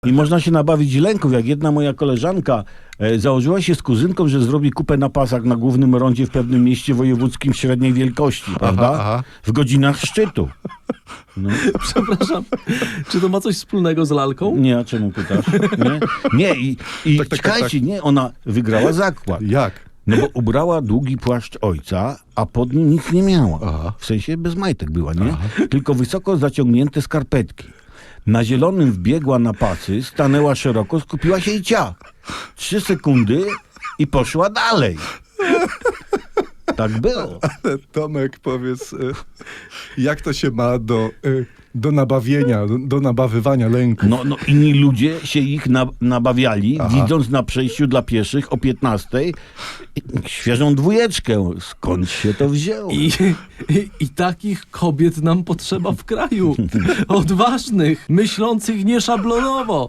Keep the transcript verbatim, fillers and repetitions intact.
I można się nabawić lęków, jak jedna moja koleżanka e, założyła się z kuzynką, że zrobi kupę na pasach na głównym rondzie w pewnym mieście wojewódzkim średniej wielkości, prawda? Aha, aha. W godzinach szczytu. No. Przepraszam, czy to ma coś wspólnego z lalką? Nie, a czemu pytasz? Nie, nie i, i Tak, tak, czekajcie, tak, tak. nie, ona wygrała zakład. Jak? No bo ubrała długi płaszcz ojca, a pod nim nic nie miała. Aha. W sensie bez majtek była, nie? Tylko wysoko zaciągnięte skarpetki. Na zielonym wbiegła na pasy, stanęła szeroko, skupiła się i cia. Trzy sekundy i poszła dalej. Tak było. Ale Tomek, powiedz, y, jak to się ma do, y, do nabawienia, do, do nabawywania lęku? No, no inni ludzie się ich na, nabawiali, Aha. widząc na przejściu dla pieszych o piętnastej świeżą dwójeczkę. Skąd się to wzięło? I, i, I takich kobiet nam potrzeba w kraju. Odważnych, myślących nieszablonowo.